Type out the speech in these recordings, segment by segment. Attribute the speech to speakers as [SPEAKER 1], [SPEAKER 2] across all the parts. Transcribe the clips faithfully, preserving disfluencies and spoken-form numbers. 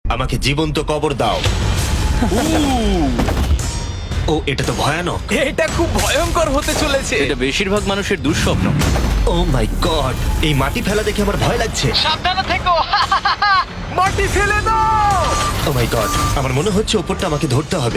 [SPEAKER 1] আমাকে জীবন্ত কবর দাও। ও এটা তো ভয়ানক।
[SPEAKER 2] এটা খুব ভয়ঙ্কর হতে চলেছে।
[SPEAKER 3] এটা বেশিরভাগ মানুষের দুঃস্বপ্ন।
[SPEAKER 1] ও মাই গড, এই মাটি ফেলা দেখে আমার ভয় লাগছে।
[SPEAKER 2] সাবধানে থেকো। মাটি ফেলে দাও।
[SPEAKER 1] ও মাই গড, আমার মনে হচ্ছে ওপরটা আমাকে ধরতে হবে।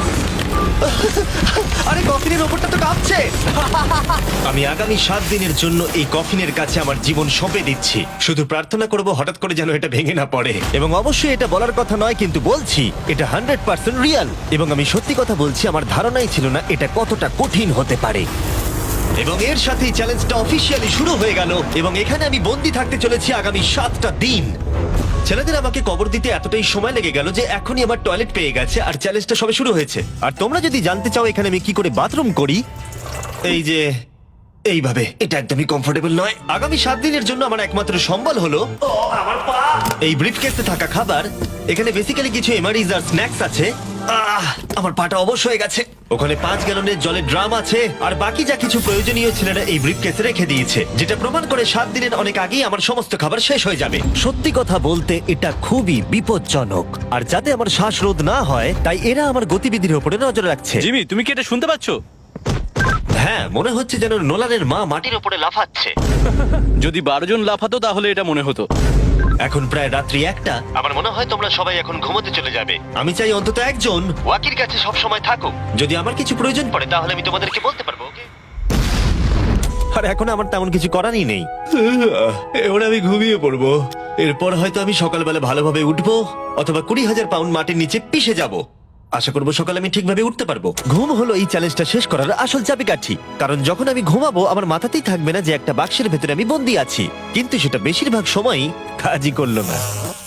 [SPEAKER 1] আরে কফিনের ওপরটা তো কাঁপছে। আমি আগামী সাত দিনের জন্য এই কফিনের কাছে আমার জীবন সঁপে দিচ্ছি। শুধু প্রার্থনা করব হঠাৎ করে যেন এটা ভেঙে না পড়ে। এবং অবশ্যই এটা বলার কথা নয়, কিন্তু বলছি এটা হান্ড্রেড পার্সেন্ট রিয়াল। এবং আমি সত্যি কথা বলছি, আমার ধারণাই ছিল না এটা কতটা কঠিন হতে পারে। এবং এর সাথেই চ্যালেঞ্জটা অফিসিয়ালি শুরু হয়ে গেল এবং এখানে আমি বন্দি থাকতে চলেছি আগামী সাতটা দিন। ছেলেদের আমাকে কবর দিতে এতটাই সময় লেগে গেল যে এখনই আমার টয়লেট পেয়ে গেছে আর চ্যালেঞ্জটা সবে শুরু হয়েছে। আর তোমরা যদি জানতে চাও এখানে আমি কি করে বাথরুম করি, এই যে এইভাবে, এটা একদমই কমফোর্টেবল নয়। আগামী সাত দিনের জন্য আমার একমাত্র সম্বল হলো ও, আমার পা। এই ব্রিফকেসে থাকা খাবার। এখানে বেসিক্যালি কিছু এমারিজ আর স্ন্যাক্স আছে। আহ, আমার পাটা অবশ হয়ে গেছে। ওখানে পাঁচ গ্যালনের জলের ড্রাম আছে আর বাকি যা কিছু প্রয়োজনীয় ছেলেরা এই ব্রিফকেসে রেখে দিয়েছে, যেটা প্রমাণ করে সাত দিনের অনেক আগেই আমার সমস্ত খাবার শেষ হয়ে যাবে। সত্যি কথা বলতে এটা খুবই বিপজ্জনক, আর যাতে আমার শ্বাসরোধ না হয় তাই এরা আমার গতিবিধির উপরে নজর রাখছে।
[SPEAKER 3] জিমি, তুমি কি এটা শুনতে পাচ্ছ?
[SPEAKER 1] হ্যাঁ, মনে হচ্ছে যেন নোলানের মা মাটির উপরে লাফাচ্ছে।
[SPEAKER 3] যদি বারো জন লাফাতো তাহলে এটা মনে হতো।
[SPEAKER 1] এখন প্রায় রাত্রি একটা। আমার মনে হয় তোমরা সবাই এখন ঘুমোতে চলে যাবে। আমি চাই অন্তত একজন ওয়াকির কাছে সব সময় থাকুক। যদি আমার কিছু প্রয়োজন পড়ে তাহলে আমি তোমাদেরকে বলতে পারবো, ওকে? আর এখন আমার তেমন কিছু করারই নেই। এবার আমি ঘুমিয়ে পড়বো। এরপর হয়তো আমি সকালবেলা ভালোভাবে উঠবো, অথবা কুড়ি হাজার পাউন্ড মাটির নিচে পিষে যাব। আশা করবো সকালে আমি ঠিকভাবে উঠতে পারবো। ঘুম হলো এই চ্যালেঞ্জটা শেষ করার আসল চাবিকাঠি। কারণ যখন আমি ঘুমাবো আমার মাথাতেই থাকবে না যে একটা বাক্সের ভেতরে আমি বন্দি আছি। কিন্তু সেটা বেশিরভাগ সময়ই কাজই করলো না।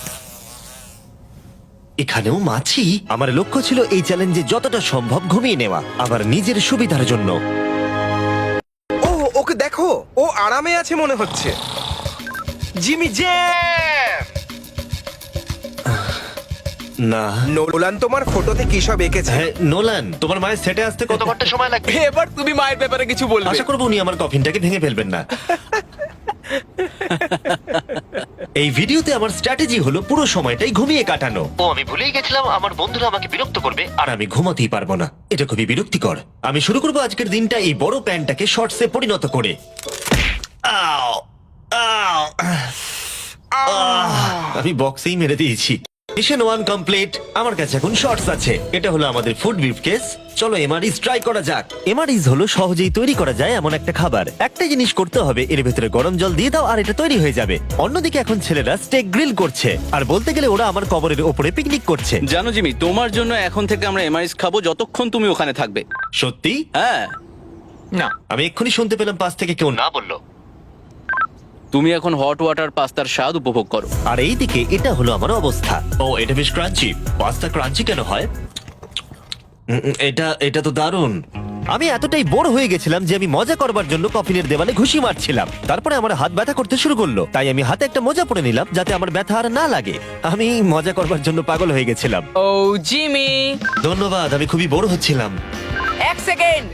[SPEAKER 1] এখানেও মাছি। আমার লক্ষ্য ছিল এই চ্যালেঞ্জে যতটা সম্ভব ঘুমিয়ে নেওয়া, আমার নিজের সুবিধার জন্য।
[SPEAKER 4] ও ওকে দেখো, ও আরামে আছে মনে হচ্ছে।
[SPEAKER 2] Jimmy J.
[SPEAKER 1] না,
[SPEAKER 4] নোলান তোমার ফটোতে কি সব এঁকেছে?
[SPEAKER 1] হ্যাঁ নোলান, তোমার মায়ের সেটে আসতে কত ঘন্টা সময় লাগবে?
[SPEAKER 2] এবার তুমি মায়ের ব্যাপারে কিছু বলবে।
[SPEAKER 1] আশা করবো উনি আমার কফিনটাকে ভেঙে ফেলবেন না। এই ভিডিওতে আমার স্ট্র্যাটেজি হলো পুরো সময়টাই ঘুমিয়ে কাটানো। ও আমি ভুলেই গেছিলাম আমার বন্ধুরা আমাকে বিরক্ত করবে আর আমি ঘুমাতেই পারবো না। এটা খুবই বিরক্তিকর। আমি শুরু করবো আজকের দিনটা এই বড় প্যান্টটাকে শর্টসে পরিণত করে। আও, আও, আহ, আমি বক্সেই মেরে দিয়েছি। Mission one complete. আমার কাছে এখন শর্টস আছে। এটা হলো আমাদের ফুড ব্রিফকেস। চলো এমআরইস ট্রাই করা যাক। এমআরইস হলো সহজেই তৈরি করা যায় এমন একটা খাবার। একটা জিনিস করতে হবে, এর ভেতরে গরম জল দিয়ে দাও আর এটা তৈরি হয়ে যাবে। অন্যদিকে এখন ছেলেরা স্টেক গ্রিল করছে, আর বলতে গেলে ওরা আমার কবরের ওপরে পিকনিক করছে।
[SPEAKER 3] জানো জিমি, তোমার জন্য এখন থেকে আমরা এমআইএস খাবো যতক্ষণ তুমি ওখানে থাকবে।
[SPEAKER 1] সত্যি?
[SPEAKER 3] হ্যাঁ,
[SPEAKER 2] না,
[SPEAKER 1] আমি এক্ষুনি শুনতে পেলাম পাশ থেকে কেউ না বললো।
[SPEAKER 3] তুমি এখন হট ওয়াটার পাস্তার স্বাদ উপভোগ করো।
[SPEAKER 1] আর এইদিকে এটা হলো আমার অবস্থা। ও এটা বেশ ক্রাঞ্চি। পাস্তা ক্রাঞ্চি কেন হয়? উম, উম, এটা এটা তো দারুণ। আমি এতটাই বোর হয়ে গেছিলাম যে আমি মজা করবার জন্য কফিনের দেওয়ালে ঘুষি মারছিলাম। তারপরে আমার হাত ব্যথা করতে শুরু করলো, তাই আমি হাতে একটা মোজা পরে নিলাম যাতে আমার ব্যথা আর না লাগে। আমি মজা করবার জন্য পাগল হয়ে গেছিলাম।
[SPEAKER 2] Oh Jimmy.
[SPEAKER 1] ধন্যবাদ, আমি খুবই বোর হচ্ছিলাম।
[SPEAKER 2] এক সেকেন্ড।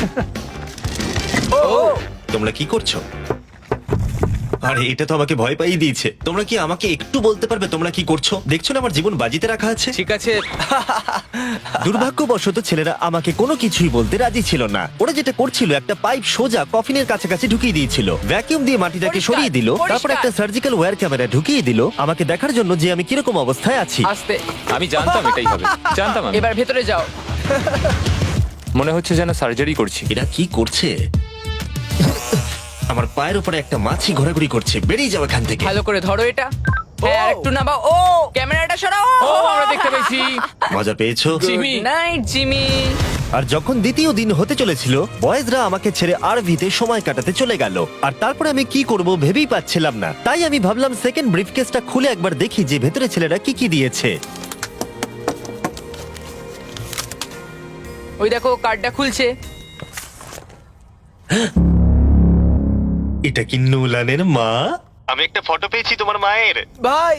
[SPEAKER 2] ও
[SPEAKER 1] তোমরা কি করছো? আরে এটা তো আমাকে ভয় পাইয়ে দিয়েছে। তোমরা কি আমাকে একটু বলতে পারবে তোমরা কি করছো? দেখছো না আমার জীবন বাজিতে রাখা আছে।
[SPEAKER 2] ঠিক আছে।
[SPEAKER 1] দুর্ভাগ্যবশত ছেলেরা আমাকে কোনো কিছুই বলতে রাজি ছিল না। ওরা যেটা করছিল, একটা পাইপ সোজা কফিনের কাছাকাছি ঢুকিয়ে দিয়েছিল, ভ্যাকিউম দিয়ে মাটিটাকে
[SPEAKER 2] পরিষ্কার,
[SPEAKER 1] সরিয়ে দিল, তারপর
[SPEAKER 2] পরিষ্কার।
[SPEAKER 1] একটা সার্জিক্যাল ওয়্যার ক্যামেরা ঢুকিয়ে দিল আমাকে দেখার জন্য যে আমি কিরকম অবস্থায় আছি।
[SPEAKER 5] আস্তে। আমি জানতাম এটাই হবে, জানতাম আমি।
[SPEAKER 2] এবার ভেতরে যাও।
[SPEAKER 5] মনে হচ্ছে যেন সার্জারি করছি।
[SPEAKER 1] এরা কি করছে? আমার পায়ের উপরে একটা মাছি ঘোরাঘুরি করছে। বেরিয়ে যাও এখান থেকে।
[SPEAKER 2] ভালো করে ধরো এটা। হ্যাঁ, আর একটু নামাও। ও ক্যামেরাটা সরাও।
[SPEAKER 5] ও আমরা দেখতে পেয়েছি।
[SPEAKER 1] মজা পেয়েছো?
[SPEAKER 5] জিমি।
[SPEAKER 2] Night Jimmy.
[SPEAKER 1] আর যখন দ্বিতীয় দিন হতে চলেছিল, বয়েজরা আমাকে ছেড়ে আরভিতে সময় কাটাতে চলে গেল। আর তারপরে আমি কি করব ভেবেই পাচ্ছিলাম না। তাই আমি ভাবলাম সেকেন্ড ব্রিফকেসটা খুলে একবার দেখি যে ভেতরে ছেলেরা কি কি দিয়েছে।
[SPEAKER 2] ওই দেখো কার্ডটা খুলছে।
[SPEAKER 1] এটা কি নোলানের মা? আমি একটা ফটো পেয়েছি তোমার মায়ের।
[SPEAKER 4] ভাই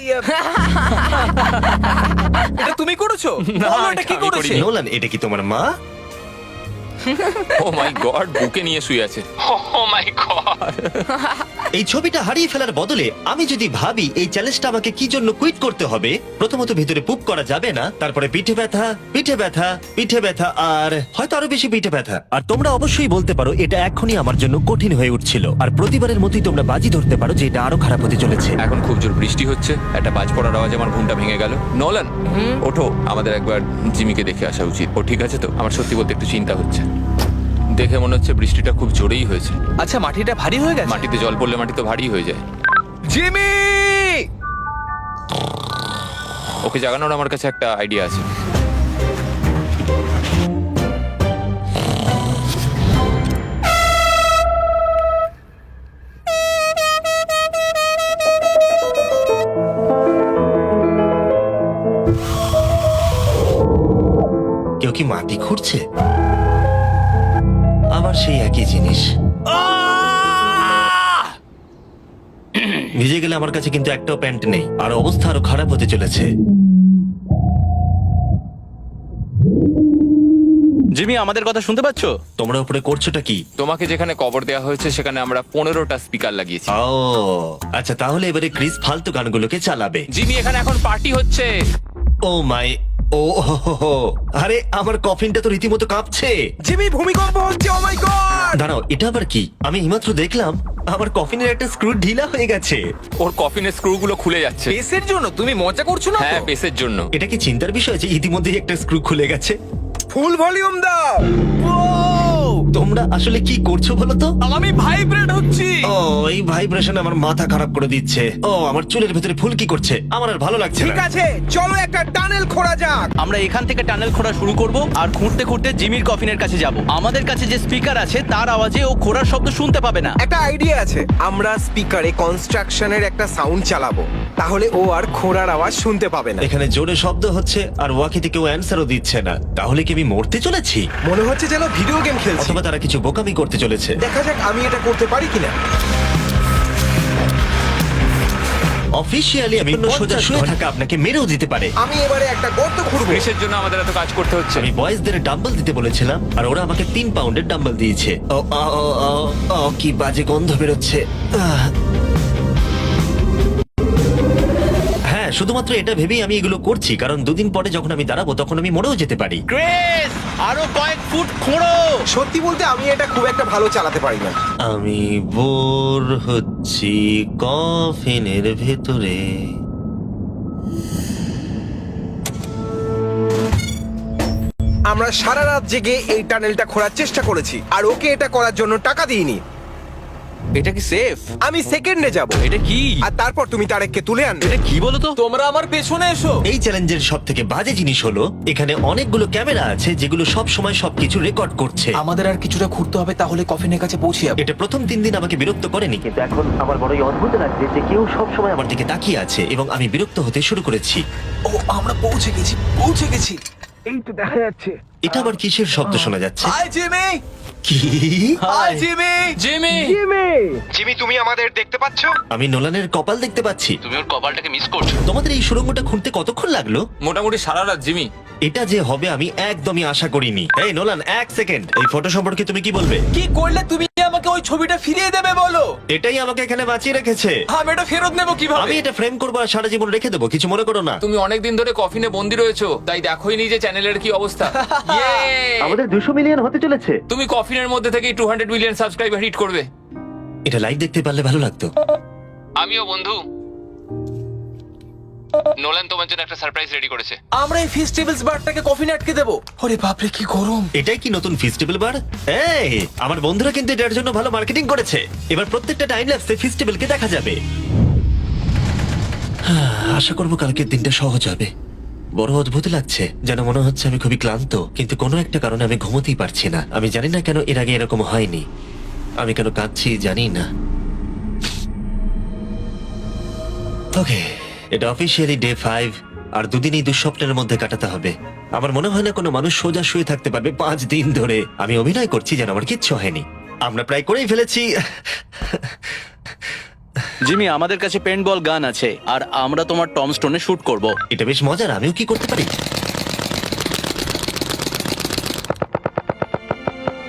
[SPEAKER 4] এটা তুমি করেছো? বলো এটা কি
[SPEAKER 5] আমি
[SPEAKER 4] করেছে?
[SPEAKER 5] করিনি।
[SPEAKER 1] নোলান, এটা কি তোমার মা?
[SPEAKER 5] ও মাই গড, বুকে নিয়ে শুয়ে আছে। Oh my god.
[SPEAKER 1] এই ছবিটা হারিয়ে ফেলার বদলে আমি যদি ভাবি এই চ্যালেঞ্জটা আমাকে কি জন্য কুইট করতে হবে, প্রথমত ভিতরে পুপ করা যাবে না, তারপরে পিঠে ব্যথা, পিঠে ব্যথা, পিঠে ব্যথা, আর হয়তো আরো বেশি পিঠে ব্যথা। আর তোমরা অবশ্যই বলতে পারো এটা এখনই আমার জন্য কঠিন হয়ে উঠছিল, আর প্রতিবারের মতোই তোমরা বাজি ধরতে পারো যে এটা আরো খারাপ হতে চলেছে।
[SPEAKER 5] এখন খুব জোর বৃষ্টি হচ্ছে, একটা বাজ পড়ার আওয়াজে আমার ঘুমটা ভেঙে গেল। নোলান, ওঠো, আমাদের একবার জিমিকে দেখে আসা উচিত। ও ঠিক আছে তো? আমার সত্যি বলতে একটু চিন্তা হচ্ছে। দেখে মনে হচ্ছে বৃষ্টিটা খুব জোরেই হয়েছে।
[SPEAKER 6] আচ্ছা, মাটিটা ভারী হয়ে গেছে।
[SPEAKER 5] মাটিতে জল পড়লে মাটি তো ভারী হয়ে যায়।
[SPEAKER 6] জিমি!
[SPEAKER 5] ওকে জাগানোর আমার কাছে একটা আইডিয়া আছে।
[SPEAKER 1] কেউ কি মাটি খুঁড়ছে? আবার সেই একই জিনিস। ভিজে গেলে আমার কাছে কিন্তু একটাও প্যান্ট নেই, আর অবস্থা আরো খারাপ হতে চলেছে।
[SPEAKER 3] জিমি, আমাদের কথা শুনতে পাচ্ছ?
[SPEAKER 1] তোমরা উপরে করছোটা কি?
[SPEAKER 5] তোমাকে যেখানে কবর দেওয়া হয়েছে সেখানে আমরা পনেরোটা স্পিকার লাগিয়েছি।
[SPEAKER 1] ও আচ্ছা, তাহলে এবারে ক্রিস ফালতু গানগুলোকে চালাবে।
[SPEAKER 5] জিমি, এখানে এখন পার্টি হচ্ছে।
[SPEAKER 1] ও মাই, ও হো হো হো। আরে আমার কফিনটা তো রীতিমতো কাঁপছে।
[SPEAKER 4] জিমি, ভূমিকম্প হচ্ছে, ও মাই গড!
[SPEAKER 1] দাঁড়াও, এটা আবার কি? আমি এইমাত্র দেখলাম আমার কফিনের একটা স্ক্রু ঢিলা হয়ে গেছে।
[SPEAKER 5] ওর কফিনের স্ক্রু গুলো খুলে যাচ্ছে।
[SPEAKER 6] পেসের জন্য তুমি মজা করছো না তো?
[SPEAKER 5] হ্যাঁ, পেসের জন্য।
[SPEAKER 1] এটা কি চিন্তার বিষয় যে ইতিমধ্যেই একটা স্ক্রু খুলে গেছে?
[SPEAKER 4] ফুল ভলিউম দাও।
[SPEAKER 1] তোমরা আসলে কি করছো বলো তো?
[SPEAKER 6] আমি ভাইব্রেট হচ্ছি।
[SPEAKER 1] ও, এই ভাইব্রেশন আমার মাথা খারাপ করে দিচ্ছে। ও, আমার চুলের ভেতরে ফুল কি করছে, আমার আর ভালো লাগছে
[SPEAKER 4] ঠিক
[SPEAKER 1] না।
[SPEAKER 4] আছে, চলো একটা টানেল খোঁড়া যাক।
[SPEAKER 2] আমরা এখান থেকে টানেল খোঁড়া শুরু করব আর খুঁড়তে খুঁড়তে জিমির কফিনের কাছে যাব। আমাদের কাছে যে স্পিকার আছে তার আওয়াজে ও খোঁড়ার শব্দ শুনতে পাবে না।
[SPEAKER 4] একটা আইডিয়া আছে, আমরা স্পিকারে কনস্ট্রাকশনের একটা সাউন্ড চালাবো, তাহলে ও আর খোঁড়ার আওয়াজ শুনতে পাবে না।
[SPEAKER 1] এখানে জোরে শব্দ হচ্ছে আর ওয়াকিতে কেউ অ্যান্সারও দিচ্ছে না। তাহলে কি আমি মরতে চলেছি,
[SPEAKER 4] মনে হচ্ছে যেন ভিডিও গেম খেলছি।
[SPEAKER 1] অথবা তারা কিছু বোকামি করতে চলেছে?
[SPEAKER 4] দেখা যাক আমি এটা করতে পারি কিনা।
[SPEAKER 1] অফিসিয়ালি আমি সোজা শুয়ে থাকা আপনাকে মেরেও দিতে পারে।
[SPEAKER 4] আমি এবারে একটা গর্ত খুঁড়বো।
[SPEAKER 5] পেসের জন্য আমাদের এত কাজ করতে হচ্ছে।
[SPEAKER 1] আমি বয়েজদের ডাম্বল দিতে বলেছিলাম আর ওরা আমাকে তিন পাউন্ডের ডাম্বল দিয়েছে। ও, ও, ও, ও, ও, কি বাজে গন্ধ বেরোচ্ছে। আহ। হ্যাঁ, শুধুমাত্র এটা ভেবেই আমি এগুলো করছি, কারণ দুদিন পরে যখন আমি দাঁড়াবো তখন আমি মরেও যেতে পারি।
[SPEAKER 2] ক্রিস, আরো কয়েক ফুট খোঁড়ো।
[SPEAKER 4] সত্যি বলতে আমি এটা খুব একটা ভালো চালাতে পারি না।
[SPEAKER 1] আমি বোর হচ্ছি কফিনের ভেতরে।
[SPEAKER 4] আমরা সারা রাত জেগে এই টানেলটা খোঁড়ার চেষ্টা করেছি, আর ওকে এটা করার জন্য টাকা দিইনি।
[SPEAKER 6] এটা কি সেফ?
[SPEAKER 4] আমি সেকেন্ডে যাব,
[SPEAKER 6] এটা কি?
[SPEAKER 4] আর তারপর তুমি তারেককে তুলে আনবে।
[SPEAKER 6] এটা কি বলো তো? তোমরা আমার পেছনে এসো।
[SPEAKER 1] এই চ্যালেঞ্জের সব থেকে বাজে জিনিস হলো এখানে অনেকগুলো ক্যামেরা আছে যেগুলো সব সময় সবকিছু রেকর্ড করছে।
[SPEAKER 6] আমাদের আর কিছুটা ঘুরতে হবে, তাহলে কফিনের কাছে পৌঁছে যাবো।
[SPEAKER 1] এটা প্রথম তিন দিন আমাকে বিরক্ত করেনি, কিন্তু এখন আমার বড়ই অদ্ভুত লাগছে যে কেউ সব সময় আমার দিকে তাকিয়ে আছে এবং আমি বিরক্ত হতে শুরু করেছি।
[SPEAKER 6] ও, আমরা পৌঁছে গেছি, পৌঁছে গেছি।
[SPEAKER 4] এই তো দেখা যাচ্ছে।
[SPEAKER 1] এটা আবার কিসের শব্দ শোনা যাচ্ছে?
[SPEAKER 6] Hi Jimmy!
[SPEAKER 1] কি?
[SPEAKER 6] Hi Jimmy!
[SPEAKER 5] Jimmy,
[SPEAKER 4] Jimmy, Jimmy, তুমি আমাদের দেখতে পাচ্ছ?
[SPEAKER 1] আমি নোলানের কপাল দেখতে পাচ্ছি।
[SPEAKER 5] তুমি ওর কপালটাকে মিস করছো।
[SPEAKER 1] তোমাদের এই সুড়ঙ্গটা খুঁড়তে কতক্ষণ লাগলো?
[SPEAKER 5] মোটামুটি সারা রাত জিমি।
[SPEAKER 1] এটা যে হবে আমি একদমই আশা করিনি। এই নোলান, এক সেকেন্ড, এই ফটো সম্পর্কে তুমি কি বলবে?
[SPEAKER 6] কি করলে তুমি আমাকে ওই ছবিটা ফিরিয়ে দেবে বলো?
[SPEAKER 1] এটাই আমাকে এখানে বাঁচিয়ে রেখেছে।
[SPEAKER 6] আমি এটা ফেরত নেব
[SPEAKER 1] আমি
[SPEAKER 6] কিভাবে?
[SPEAKER 1] এটা ফ্রেম করবো আর সারা জীবন রেখে দেবো, কিছু মনে করো না।
[SPEAKER 5] তুমি অনেকদিন ধরে কফিনে বন্দি রয়েছো, তাই দেখোই নি যে চ্যানেলের কি অবস্থা। Yay!
[SPEAKER 1] আমাদের দুশো মিলিয়ন হতে চলেছে।
[SPEAKER 5] তুমি কফিনের মধ্যে থেকে two hundred million subscriber hit করবে।
[SPEAKER 1] এটা লাইভ দেখতে পারলে ভালো লাগতো।
[SPEAKER 5] আমিও বন্ধু। নোলান তোমার জন্য একটা সারপ্রাইজ রেডি করেছে।
[SPEAKER 6] আমরা এই ফেস্টিভ্যালস বারটাকে কফিনে আটকে দেবো। ওরে বাপরে, কি গরম!
[SPEAKER 1] এটাই কি নতুন ফেস্টিভ্যাল বার? এই, আমার বন্ধুরা কিন্তু এটার জন্য ভালো মার্কেটিং করেছে। এবার প্রত্যেকটা টাইম ল্যাপসে ফেস্টিভ্যালকে দেখা যাবে। হ্যাঁ, আশা করবো কালকের দিনটা সহজ হবে। বড় অদ্ভুত লাগছে, যেন মনে হচ্ছে আমি খুবই ক্লান্ত, কিন্তু কোনো একটা কারণে আমি ঘুমোতেই পারছি না। আমি জানি না কেন এর আগে এরকম হয়নি। আমি কেন কাঁদছি জানি না। ওকে, এটা অফিসিয়ালি ডে ফাইভ, আর দুদিন এই দুঃস্বপ্নের মধ্যে কাটাতে হবে। আমার মনে হয় না কোনো মানুষ সোজা শুয়ে থাকতে পারবে পাঁচ দিন ধরে। আমি অভিনয় করছি যেন আমার কিচ্ছু হয়নি। আমরা প্রায় করেই ফেলেছি।
[SPEAKER 2] জিমি, আমাদের কাছে পেন্ট বল গান আছে আর আমরা তোমার টম স্টোনে শুট করব।
[SPEAKER 1] এটা বেশ মজার, আমিও কি করতে পারি?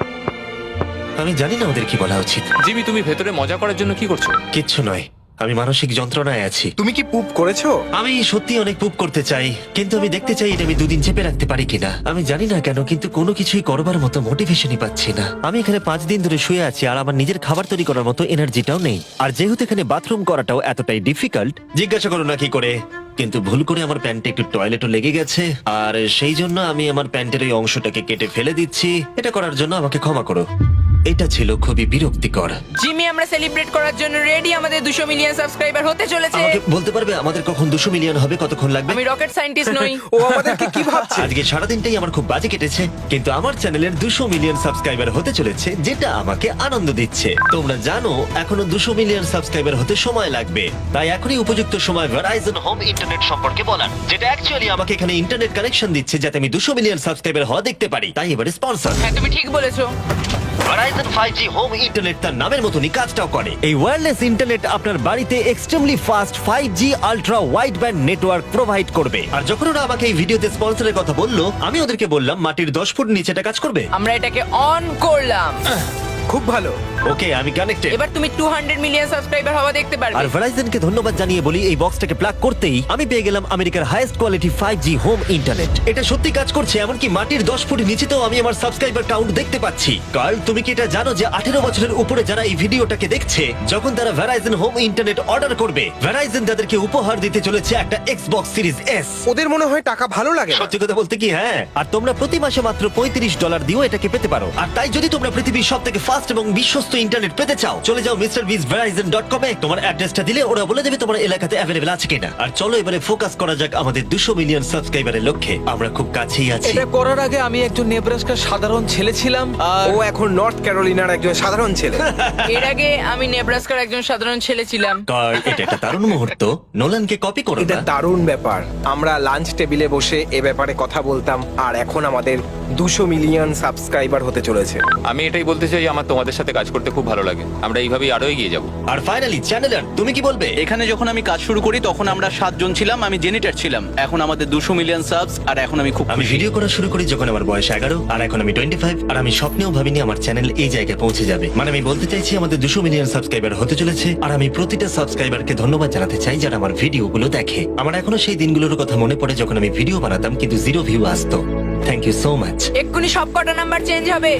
[SPEAKER 1] আমি জানি না ওদের কি বলা উচিত।
[SPEAKER 5] জিমি, তুমি ভেতরে মজা করার জন্য কি করছো?
[SPEAKER 1] কিচ্ছু নয়, আমি মানসিক যন্ত্রণায় আছি।
[SPEAKER 4] তুমি কি পুপ করেছো?
[SPEAKER 1] আমি সত্যি অনেক পুপ করতে চাই, কিন্তু আমি দেখতে চাই এটা আমি দুদিন চেপে রাখতে পারি কিনা। আমি জানি না কেন, কিন্তু কোনো কিছুই করবার মতো মোটিভেশনই পাচ্ছি না। আমি এখানে পাঁচ দিন ধরে শুয়ে আছি আর আমার নিজের খাবার তৈরি করার মতো এনার্জিটাও নেই। আর যেহেতু এখানে বাথরুম করাটাও এতটাই ডিফিকাল্ট, জিজ্ঞাসা করো না কি করে, কিন্তু ভুল করে আমার প্যান্টে একটু টয়লেটও লেগে গেছে, আর সেই জন্য আমি আমার প্যান্টের ওই অংশটাকে কেটে ফেলে দিচ্ছি। এটা করার জন্য আমাকে ক্ষমা করো। এটা ছিল খুবই বিরক্তিকর।
[SPEAKER 7] জিমি, আমরা সেলিব্রেট করার জন্য রেডি। আমাদের দুশো মিলিয়ন সাবস্ক্রাইবার হতে চলেছে।
[SPEAKER 1] আমাকে বলতে পারবে আমাদের কখন দুশো মিলিয়ন হবে, কতক্ষণ লাগবে?
[SPEAKER 7] আমি রকেট সায়েন্টিস্ট নই।
[SPEAKER 4] ও আমাদেরকে কি ভাবছে?
[SPEAKER 1] আজকে সারাদিনটাই আমার খুব বাজে কেটেছে, কিন্তু আমার চ্যানেলের দুশো মিলিয়ন সাবস্ক্রাইবার হতে চলেছে, যেটা আমাকে আনন্দ দিচ্ছে। তোমরা জানো এখনো দুশো মিলিয়ন সাবস্ক্রাইবার হতে সময় লাগবে, তাই এখনই উপযুক্ত সময় ভেরাইজন হোম ইন্টারনেট সম্পর্কে বলার, যেটা অ্যাকচুয়ালি আমাকে এখানে ইন্টারনেট কানেকশন দিচ্ছে যাতে আমি দুশো মিলিয়ন সাবস্ক্রাইবার হওয়া দেখতে পারি। তাই এবারে স্পন্সর
[SPEAKER 7] হ্যাঁ, তুমি ঠিক বলেছো।
[SPEAKER 1] Verizon five G home internet তার নামের মতনই কাজটাও করে। এই ওয়্যারলেস ইন্টারনেট আপনার বাড়িতে extremely fast five G ultra wide band network provide করবে। আর যখন ওরা আমাকে এই ভিডিওতে স্পন্সরের কথা বললো, আমি ওদেরকে বললাম মাটির দশ ফুট নিচে এটা কাজ করবে।
[SPEAKER 7] আমরা এটাকে অন করলাম।
[SPEAKER 4] খুব ভালো।
[SPEAKER 1] ওকে, আমি কানেক্টেড।
[SPEAKER 7] এবার তুমি টু হান্ড্রেড মিলিয়ন সাবস্ক্রাইবার হওয়া দেখতে
[SPEAKER 1] আর
[SPEAKER 7] পারবে।
[SPEAKER 1] ভেরাইজনকে ধন্যবাদ জানিয়ে বলি, এই বক্সটাকে প্লাগ করতেই আমি পেয়ে গেলাম আমেরিকার highest quality five G home internet. এটা সত্যি কাজ করছে, এমনকি মাটির দশ ফুট নিচেতেও আমি আমার সাবস্ক্রাইবার কাউন্ট দেখতে পাচ্ছি। কার্ল, তুমি কি এটা জানো যে আঠেরো বছরের উপরে যারা এই ভিডিওটাকে দেখছে, যখন তারা ভেরাইজন হোম ইন্টারনেট অর্ডার করবে, ভেরাইজন তাদেরকে উপহার দিতে চলেছে একটা এক্সবক্স সিরিজ এস।
[SPEAKER 4] ওদের মনে হয় টাকা ভালো লাগে না।
[SPEAKER 1] সত্যি কথা বলতে কি, হ্যাঁ। আর তোমরা প্রতি মাসে মাত্র পঁয়ত্রিশ ডলার দিয়েও এটাকে পেতে পারো। আর তাই যদি তোমরা পৃথিবীর সব থেকে ফাস্ট এবং বিশ্বস্ত ইন্টারনেট পেতে চাও, চলে যাও মিস্টার বিস ভেরাইজন ডট কম এ। তোমার অ্যাড্রেসটা দিলে ওরা বলে দেবে তোমার এলাকাতে অ্যাভেলেবল আছে কিনা। আর চলো এবারে ফোকাস করা যাক আমাদের দুশো মিলিয়ন সাবস্ক্রাইবারের লক্ষ্যে। আমরা খুব কাছেই আছি।
[SPEAKER 6] এটা করার আগে আমি একজন নেব্রাস্কার সাধারণ ছেলে ছিলাম, আর
[SPEAKER 4] ও এখন নর্থ ক্যারোলিনার একজন সাধারণ ছেলে।
[SPEAKER 7] এর আগে আমি নেব্রাস্কার একজন সাধারণ ছেলে ছিলাম।
[SPEAKER 1] কার্ল, এটা একটা দারুণ মুহূর্ত। নোলানকে কপি করো
[SPEAKER 4] এটা
[SPEAKER 1] না।
[SPEAKER 4] দারুণ ব্যাপার। আমরা লাঞ্চ টেবিলে বসে এ ব্যাপারে কথা বলতাম, আর এখন আমাদের দুশো মিলিয়ন সাবস্ক্রাইবার হতে চলেছে।
[SPEAKER 5] আমি এটাই বলতে চাই, আমার তোমাদের সাথে কাজ করতে খুব ভালো লাগে। আমরা এইভাবেই আরো এগিয়ে যাবো।
[SPEAKER 1] আর ফাইনালি চ্যানেলার, তুমি কি বলবে?
[SPEAKER 2] এখানে যখন আমি কাজ শুরু করি তখন আমরা সাতজন ছিলাম, আমি জেনিটার ছিলাম। এখন আমাদের দুশো মিলিয়ন সাবস, আর এখন আমি খুব
[SPEAKER 1] আমি
[SPEAKER 2] খুশি।
[SPEAKER 1] ভিডিও করা শুরু করি যখন আমার বয়স এগারো, আর এখন আমি টোয়েন্টি ফাইভ। আর আমি স্বপ্নেও ভাবিনি আমার চ্যানেল এই জায়গায় পৌঁছে যাবে। মানে আমি বলতে চাইছি আমাদের দুশো মিলিয়ন সাবস্ক্রাইবার হতে চলেছে, আর আমি প্রতিটা সাবস্ক্রাইবারকে ধন্যবাদ জানাতে চাই যারা আমার ভিডিওগুলো দেখে। আমার এখনো সেই দিনগুলোর কথা মনে পড়ে যখন আমি ভিডিও বানাতাম কিন্তু জিরো ভিউ আসতো। Thank you so much.
[SPEAKER 7] এক্ষুনি সব কটা নাম্বার চেঞ্জ হবে।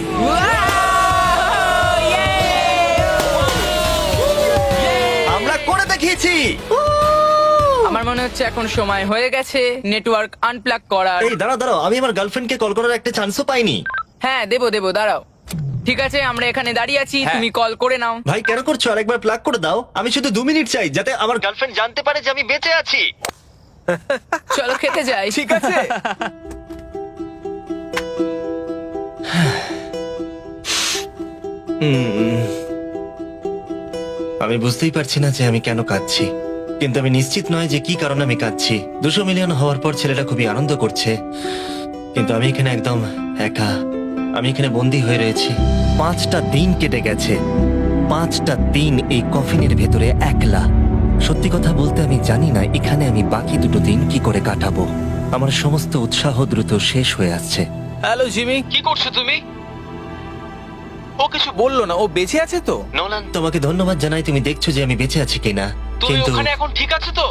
[SPEAKER 1] আমরা করে দেখিয়েছি।
[SPEAKER 7] আমার মনে হচ্ছে এখন সময় হয়ে গেছে নেটওয়ার্ক আনপ্লাগ করার।
[SPEAKER 1] এই দাঁড়াও দাঁড়াও, আমি আমার গার্লফ্রেন্ডকে কল করার একটা চান্সও পাইনি।
[SPEAKER 7] হ্যাঁ, দেবো দেবো, দাঁড়াও। ঠিক আছে, আমরা এখানে দাঁড়িয়ে আছি, তুমি কল করে নাও।
[SPEAKER 1] ভাই কেন করছো? আরেকবার প্লাগ করে দাও। আমি শুধু দু মিনিট চাই যাতে আমার গার্লফ্রেন্ড জানতে পারে যে আমি বেঁচে আছি।
[SPEAKER 7] চলো খেতে যাই।
[SPEAKER 6] ঠিক আছে।
[SPEAKER 1] হুম। আমি বুঝতেই পারছি না যে আমি কেন কাঁদছি, কিন্তু আমি নিশ্চিত নয় যে কি কারণে আমি কাঁদছি। দুশো মিলিয়ন হওয়ার পর ছেলেটা খুবই আনন্দ করছে, কিন্তু আমি এখানে একদম একা। আমি এখানে বন্দি হয়ে রয়েছি। পাঁচটা দিন কেটে গেছে, পাঁচটা দিন এই কফিনের ভেতরে একলা। সত্যি কথা বলতে আমি জানি না এখানে আমি বাকি দুটো দিন কি করে কাটাবো। আমার সমস্ত উৎসাহ দ্রুত শেষ হয়ে আসছে।
[SPEAKER 6] হ্যালো জিমি, কি করছো তুমি? ও কিছু বললো না, ও বেঁচে আছে তো?
[SPEAKER 1] নোলান, তোমাকে ধন্যবাদ জানাই, তুমি দেখছো যে আমি বেঁচে আছি কিনা। কিন্তু
[SPEAKER 6] এখন ঠিক আছে তো?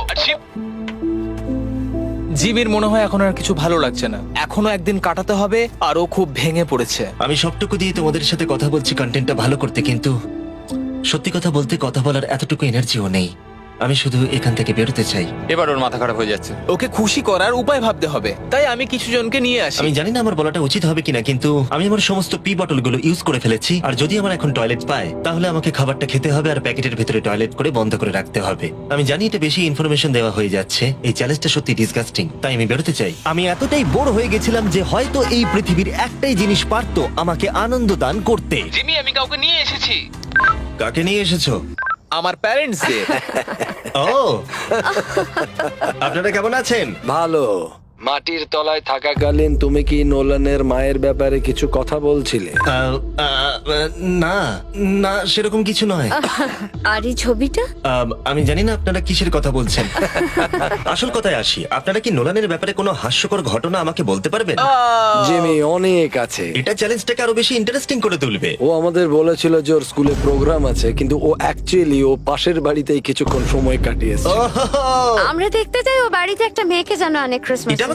[SPEAKER 6] জিমির মনে হয় এখন আর কিছু ভালো লাগছে না। এখনো একদিন কাটাতে হবে, আর ও খুব ভেঙে পড়েছে।
[SPEAKER 1] আমি সবটুকু দিয়ে তোমাদের সাথে কথা বলছি কন্টেন্টটা ভালো করতে, কিন্তু সত্যি কথা বলতে কথা বলার এতটুকু এনার্জিও নেই। আমি শুধু এখান থেকে বেরোতে চাই।
[SPEAKER 5] এবার ওর মাথা খারাপ হয়ে যাচ্ছে।
[SPEAKER 6] ওকে খুশি করার উপায় ভাবতে হবে, তাই আমি কিছু জনকে নিয়ে আসি।
[SPEAKER 1] আমি জানি না আমার বলাটা উচিত হবে কিনা, কিন্তু আমি আমার সমস্ত পি বটলগুলো ইউজ করে ফেলেছি। আর যদি আমার এখন টয়লেট পায়, তাহলে আমাকে খাবারটা খেতে হবে আর প্যাকেটের ভিতরে টয়লেট করে বন্ধ করে রাখতে হবে। আমি জানি এটা বেশি ইনফরমেশন দেওয়া হয়ে যাচ্ছে, এই চ্যালেঞ্জটা সত্যি ডিসগাস্টিং, তাই আমি বেরোতে চাই। আমি এতটাই বোর হয়ে গেছিলাম যে হয়তো এই পৃথিবীর একটাই জিনিস পারতো আমাকে আনন্দ দান করতে।
[SPEAKER 6] জিমি, আমি কাউকে নিয়ে এসেছি।
[SPEAKER 1] কাকে নিয়ে এসেছো?
[SPEAKER 6] আমার প্যারেন্টসদের।
[SPEAKER 1] ও, আপনারা কেমন আছেন?
[SPEAKER 8] ভালো। মাটির তলায় থাকাকালীন তুমি কি নোলানের মায়ের ব্যাপারে কিছু কথা বলছিলে?
[SPEAKER 1] আহ, আহ, না না সেরকম কিছু নয়।
[SPEAKER 9] আর এই ছবিটা?
[SPEAKER 1] আহ, আমি জানি না আপনারা কিসের কথা বলছেন। আসল কথায় আসি, আপনারা কি নোলানের ব্যাপারে কোনো হাস্যকর ঘটনা আমাকে বলতে পারবেন?
[SPEAKER 8] জিমি, অনেক আছে।
[SPEAKER 1] এটা চ্যালেঞ্জটাকে আরো বেশি ইন্টারেস্টিং করে তুলবে।
[SPEAKER 8] ও আমাদের বলেছিল যে ওর স্কুলে প্রোগ্রাম আছে, কিন্তু ও অ্যাকচুয়ালি ও পাশের বাড়িতেই কিছুক্ষণ সময় কাটিয়েছে।
[SPEAKER 1] ওহো,
[SPEAKER 9] আমরা দেখতে চাই ও বাড়িতে একটা মেয়েকে জানো অনেক ক্রিসমাস।
[SPEAKER 1] এটা